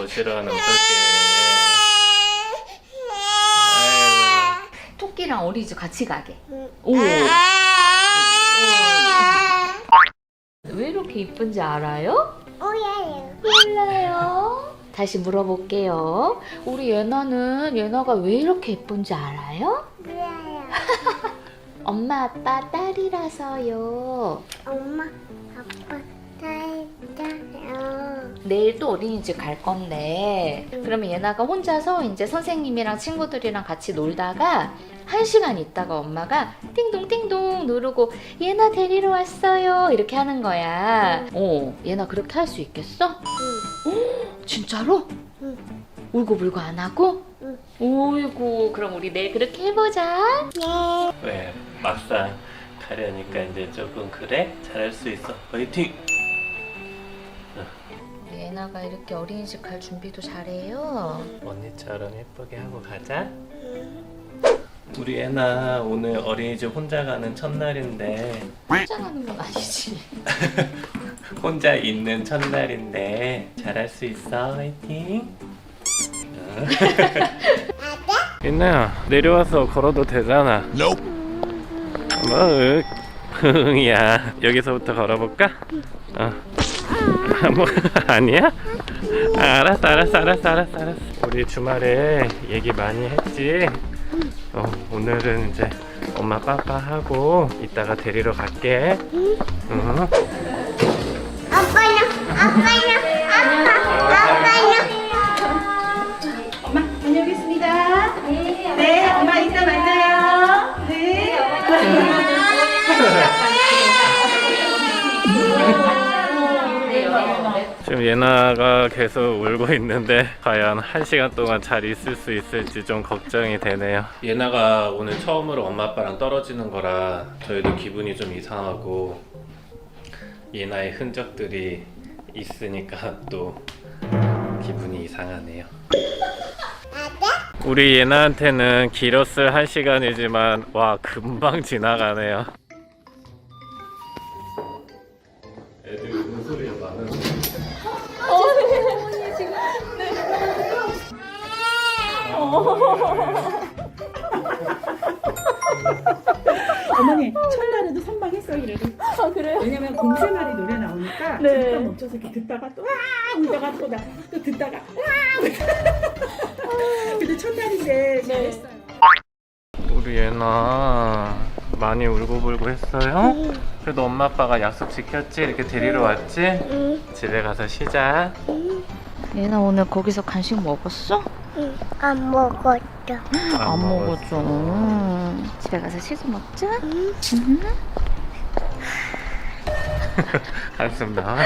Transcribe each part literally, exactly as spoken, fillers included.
거 싫어하는 어떡해. 토끼랑 어린이집 같이 가게. 오. 왜 이렇게 이쁜지 알아요? 몰라요. 몰라요. 다시 물어볼게요. 우리 예나는 예나가 왜 이렇게 예쁜지 알아요? 몰라요. 엄마 아빠 딸이라서요. 엄마, 아빠, 딸이요. 내일 또 어린이집 갈 건데 그러면 예나가 혼자서 이제 선생님이랑 친구들이랑 같이 놀다가 한 시간 있다가 엄마가 띵동 띵동 누르고 예나 데리러 왔어요 이렇게 하는 거야. 어, 예나 그렇게 할 수 있겠어? 응. 진짜로? 응. 울고불고 안 하고? 응. 오이고 그럼 우리 내일 그렇게 해보자. 네. 왜 막상 가려니까 이제 조금 그래? 잘할 수 있어. 화이팅! 우리 예나가 이렇게 어린이집 갈 준비도 잘해요. 언니처럼 예쁘게 하고 가자. 우리 애나 오늘 어린이집 혼자 가는 첫날인데 혼자 가는 건 아니지. 혼자 있는 첫날인데 잘할 수 있어. 화이팅! 예나야 내려와서 걸어도 되잖아. 뭐? 야 여기서부터 걸어볼까? 어. 뭐 아니야? 알았어 알았어 알았어 알았어 알았어. 우리 주말에 얘기 많이 했지? 어, 오늘은 이제 엄마 빠빠 하고 이따가 데리러 갈게. 응? 아빠요, 아빠요, 아빠, 아빠요. 엄마 다녀오겠습니다. 네, 네, 엄마 이따 만나요. 네. 지금 예나가 계속 울고 있는데 과연 한 시간 동안 잘 있을 수 있을지 좀 걱정이 되네요. 예나가 오늘 처음으로 엄마 아빠랑 떨어지는 거라 저희도 기분이 좀 이상하고 예나의 흔적들이 있으니까 또 기분이 이상하네요. 우리 예나한테는 길었을 한 시간이지만 와 금방 지나가네요. 애들 우는 소리가 많은데 어머니 첫날에도 선방했어 이래도. 아 그래요? 왜냐면 곰새마리 노래 나오니까 네. 잠깐 멈춰서 이렇게 듣다가 또 와 울다가 또 나 또 듣다가 와 울다가. 근데 첫날인데 잘했어요. 우리 예나 많이 울고불고 했어요? 그래도 엄마 아빠가 약속 지켰지? 이렇게 데리러 왔지? 응, 집에 가서 쉬자. 예나 오늘 거기서 간식 먹었어? 응, 안 먹었어. 안 먹었죠. 음, 집에 가서 치즈 먹자. 응. 음. 한숨 나와.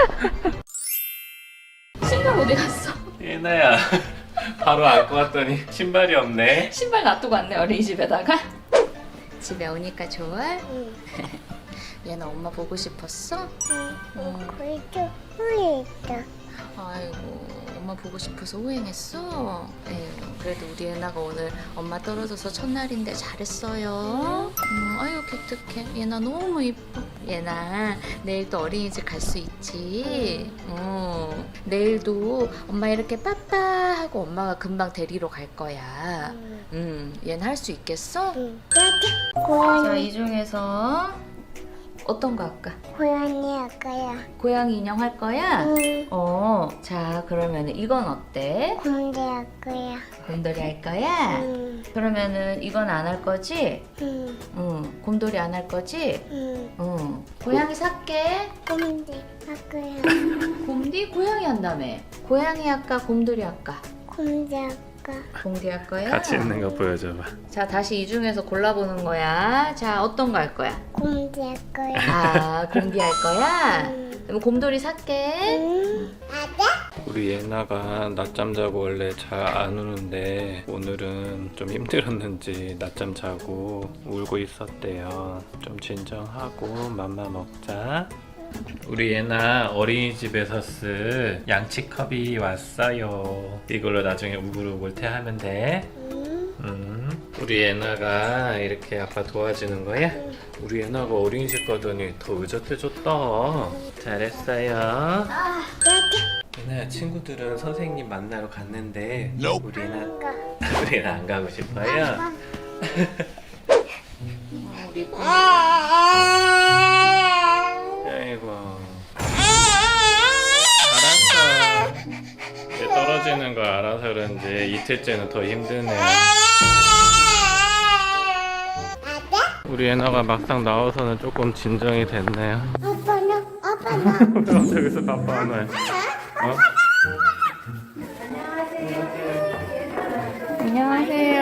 신발 어디 갔어? 예나야 바로 안고 왔더니 신발이 없네. 신발 놔두고 왔네 어린이집에다가. 집에 오니까 좋아? 응, 얘는 엄마 보고 싶었어? 응, 그래도 후회했다. 아이고 엄마 보고 싶어서 후행했어? 에휴, 그래도 우리 예나가 오늘 엄마 떨어져서 첫날인데 잘했어요. 음, 아유 기특해. 예나 너무 이뻐. 예나 내일 또 어린이집 갈 수 있지? 어, 내일도 엄마 이렇게 빠빠 하고 엄마가 금방 데리러 갈 거야. 응, 음, 얘는 할 수 있겠어? 응. 고양이, 자, 이 중에서 어떤 거 할까? 고양이 할 거야. 고양이 인형 할 거야? 응, 어, 자 그러면 이건 어때? 곰대 할 거야. 곰돌이 할 거야? 응, 그러면은 이건 안 할 거지? 응, 응. 곰돌이 안 할 거지? 응. 응. 고양이 살게. 곰대 할 거야. 곰디 고양이 한다며. 고양이 할까? 곰돌이 할까? 곰대 할 거야. 곰디 할 거야? 같이 있는 거 보여줘봐. 자 다시 이 중에서 골라보는 거야. 자 어떤 거 할 거야? 곰대 할 거야. 아 곰디 할 거야? 응, 그럼 곰돌이 살게. 응. 아빠? 우리 예나가 낮잠 자고 원래 잘 안 우는데 오늘은 좀 힘들었는지 낮잠 자고 울고 있었대요. 좀 진정하고 맘마 먹자. 우리 예나 어린이집에서 쓸 양치컵이 왔어요. 이걸로 나중에 우글우글 태하면 돼. 응, 음, 우리 예나가 이렇게 아빠 도와주는 거야? 우리 예나가 어린이집 가더니 더 의젓해졌다. 잘했어요. 아, 아빠. 예나 친구들은 선생님 만나러 갔는데 우리 예나 안 가. 우리 예나 안 가고 싶어요? 어, 우리 아이고 알았어. 이제 떨어지는 거 알아서 그런지 이틀째는 더 힘드네. 우리 예나가 막상 나와서는 조금 진정이 됐네요. 아빠는 아빠는 저기서 바빠 안 와요. 어? 안녕하세요.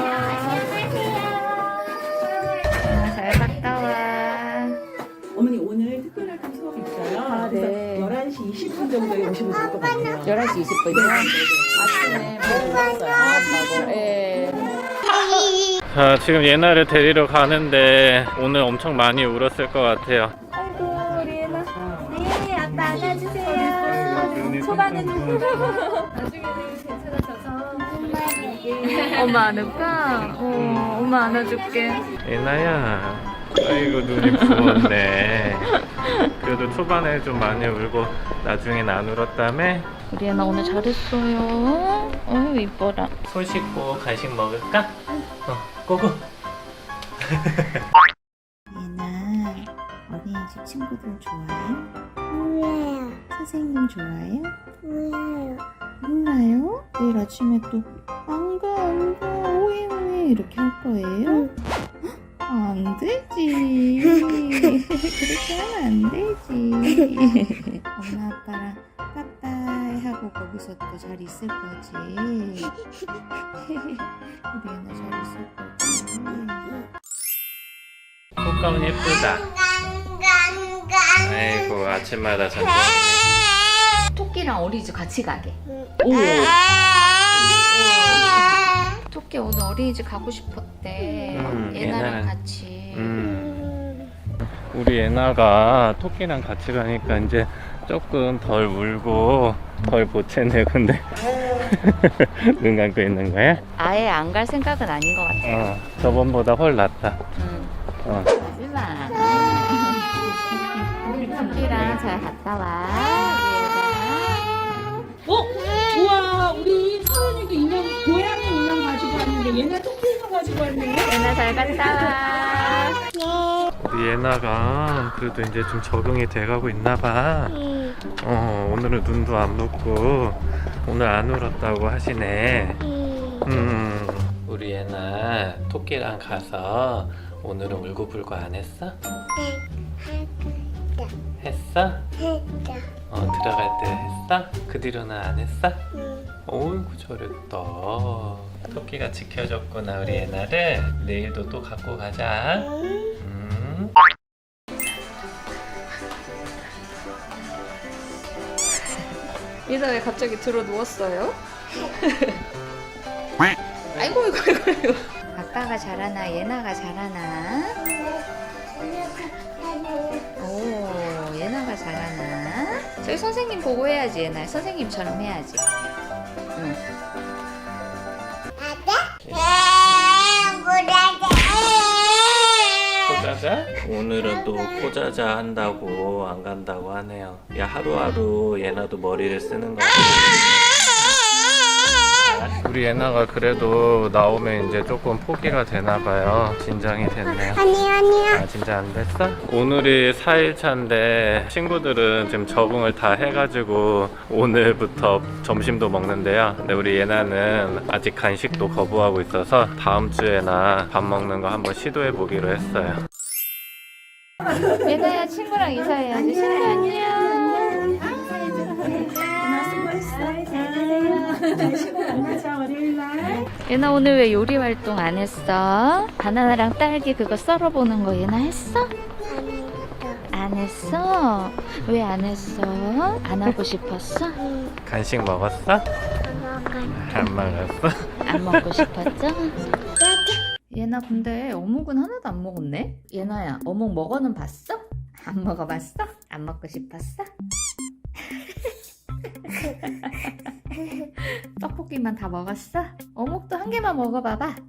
아, 잘 갔다 와. 어머니 오늘 특별한 수업이 있어요. 아, 그래서 네. 열한 시 이십 분 정도에 오시면 될 것 같아요. 열한 시 이십 분이요? 아침에 많이 울었어요. 아빠고. 예. 자, 지금 예나를 데리러 가는데 오늘 엄청 많이 울었을 것 같아요. 아이고, 우리 예나. 네, 아빠 안아주세요. 초반에는 나중에는 괜찮아져서 엄마 안을까? 어, 엄마 안아줄게. 예나야, 아이고 눈이 부었네. 그래도 초반에 좀 많이 울고 나중엔 안 울었다며? 우리 예나 오늘 잘했어요. 어휴, 이뻐라. 손 씻고 간식 먹을까? 어, 고고. 예나, 어린이집 친구들 좋아해? 몰라요. 선생님 좋아해요? 몰라요. 몰라요? 내일 아침에 또 안 가, 안 가, 오해, 오해 이렇게 할 거예요? 안 되지. 그렇게 하면 안 되지. 엄마 아빠랑 빠빠이 하고 거기서 또 잘 있을 거지. 우리 예나 잘 있을 거지. 꽃가운 예쁘다. 아이고 아침마다 전쟁이네. 토끼랑 어린이집 같이 가게. 오. 토끼 오늘 어린이집 가고 싶었대. 음, 예나랑 예나랑- 같이. 음. 우리 예나가 토끼랑 같이 가니까 이제 조금 덜 울고 덜 보채네. 근데 눈 감고 있는 거야? 아예 안 갈 생각은 아닌 것 같아. 어, 저번보다 훨 낫다. 응. 어. 하지마. 우리 토끼랑 잘 갔다 와. 어? 우와, 우리 서연이도 인형, 고양이 인형 가지고 왔는데 얘네 토끼 인형 가지고 왔네. 예나 잘 갔다 와. 우리 예나가 그래도 이제 좀 적응이 돼가고 있나봐. 어, 오늘은 눈도 안 붓고 오늘 안 울었다고 하시네. 음. 우리 예나 토끼랑 가서 오늘은 울고불고 안 했어? 했어? 어, 들어갈 때 했어? 그 뒤로는 안 했어? 어이구 잘했다. 토끼가 지켜줬구나 우리 예나를. 내일도 또 갖고 가자. 음. 예나 왜 갑자기 들어 누웠어요? 아이고 아이고 아이고 아이고. 아빠가 잘하나 예나가 잘하나? 오 예나가 잘하나? 저기 선생님 보고 해야지 예나. 선생님처럼 해야지. 응. 포자자? 오늘은 또 포자자 한다고 안 간다고 하네요. 야 하루하루 예나도 머리를 쓰는 거야. 우리 예나가 그래도 나오면 이제 조금 포기가 되나봐요. 진정이 됐네요. 아니 아니야. 아 진짜 안 됐어? 오늘이 사 일차인데 친구들은 지금 적응을 다 해가지고 오늘부터 점심도 먹는데요. 근데 우리 예나는 아직 간식도 거부하고 있어서 다음 주에나 밥 먹는 거 한번 시도해 보기로 했어요. 예나야 친구랑 인사해야지. 친구 안녕. 만나자 월요일날. 예나 오늘 왜 요리 활동 안 했어? 바나나랑 딸기 그거 썰어보는 거 예나 했어? 안 했어? 왜 안 했어? 안 하고 싶었어? 간식 먹었어? 안 먹었어? 안 먹고 싶었죠? 예나 근데 어묵은 하나도 안 먹었네? 예나야 어묵 먹어는 봤어? 안 먹어봤어? 안 먹고 싶었어? 떡볶이만 다 먹었어? 어묵도 한 개만 먹어봐봐.